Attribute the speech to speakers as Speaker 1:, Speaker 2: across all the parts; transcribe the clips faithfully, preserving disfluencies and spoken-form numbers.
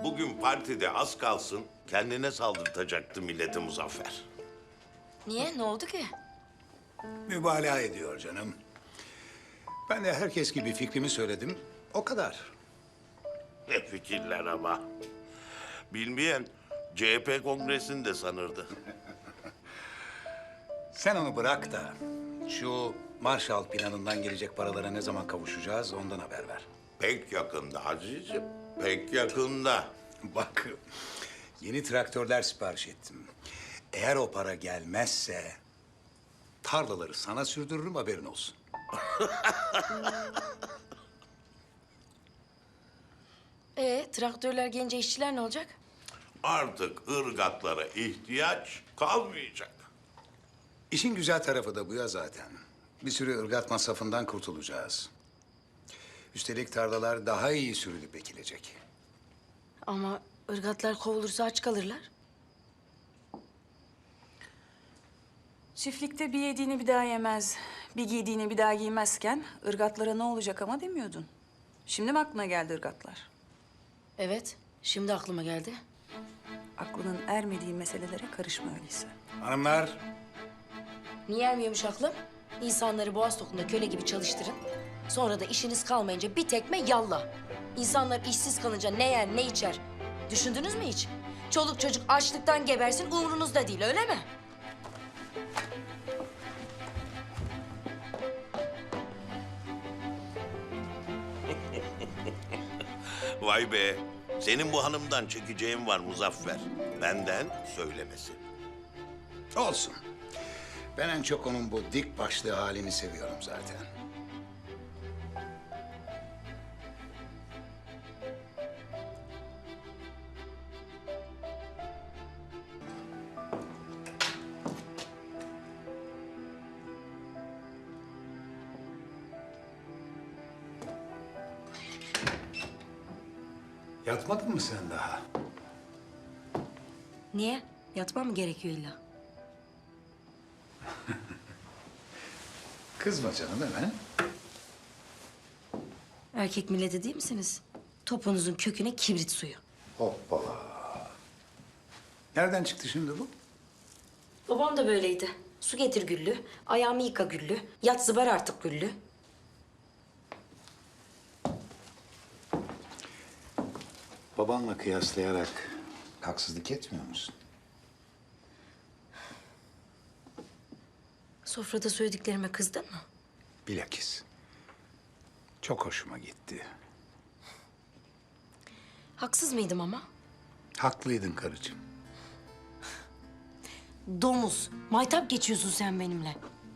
Speaker 1: Bugün partide az kalsın kendine saldırtacaktı milleti Muzaffer.
Speaker 2: Niye? Ne oldu ki?
Speaker 3: Mübalağa ediyor canım. Ben de herkes gibi fikrimi söyledim. O kadar.
Speaker 1: Ne fikirler ama. Bilmeyen C H P kongresini de sanırdı.
Speaker 3: Sen onu bırak da şu Marshall planından gelecek paralara ne zaman kavuşacağız ondan haber ver.
Speaker 1: Pek yakında Aziz'im, pek yakında.
Speaker 3: Bak, yeni traktörler sipariş ettim. Eğer o para gelmezse tarlaları sana sürdürürüm, haberin olsun.
Speaker 2: Ee, traktörler gelince işçiler ne olacak?
Speaker 1: Artık ırgatlara ihtiyaç kalmayacak.
Speaker 3: İşin güzel tarafı da bu ya zaten. Bir sürü ırgat masrafından kurtulacağız. Üstelik tarlalar daha iyi sürülüp ekilecek.
Speaker 2: Ama ırgatlar kovulursa aç kalırlar.
Speaker 4: Çiftlikte bir yediğini bir daha yemez, bir giydiğini bir daha giymezken ırgatlara ne olacak ama demiyordun. Şimdi mi aklına geldi ırgatlar?
Speaker 2: Evet, şimdi aklıma geldi.
Speaker 4: Aklının ermediği meselelere karışma öyleyse.
Speaker 3: Hanımlar,
Speaker 2: Niye ermiyormuş aklım? İnsanları boğaz tokunda köle gibi çalıştırın. Sonra da işiniz kalmayınca bir tekme yallah. İnsanlar işsiz kalınca ne yer ne içer? Düşündünüz mü hiç? Çoluk çocuk açlıktan gebersin umurunuzda değil, öyle mi?
Speaker 1: Vay be, senin bu hanımdan çekeceğin var Muzaffer. Benden söylemesi.
Speaker 3: olsun. Ben en çok onun bu dik başlı halini seviyorum zaten. Yatmadın mı sen daha?
Speaker 2: Niye? Yatmam mı gerekiyor illa?
Speaker 3: Kızma canım hemen.
Speaker 2: Erkek milleti değil misiniz? Topunuzun köküne kibrit suyu.
Speaker 3: Hoppala. Nereden çıktı şimdi bu?
Speaker 2: Babam da böyleydi. Su getir güllü, ayağımı yıka güllü, yat zıbar artık güllü.
Speaker 3: Babanla kıyaslayarak haksızlık etmiyor musun?
Speaker 2: Sofrada söylediklerime kızdın mı?
Speaker 3: Bilakis. Çok hoşuma gitti.
Speaker 2: Haksız mıydım ama?
Speaker 3: Haklıydın karıcığım.
Speaker 2: Domuz, maytap geçiyorsun sen benimle.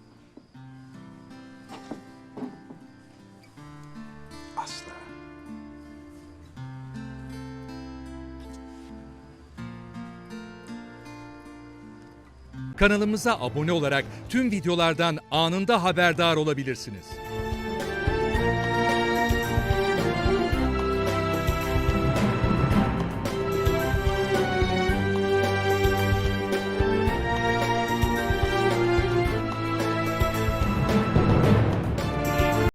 Speaker 3: Asla.
Speaker 5: Kanalımıza abone olarak tüm videolardan anında haberdar olabilirsiniz.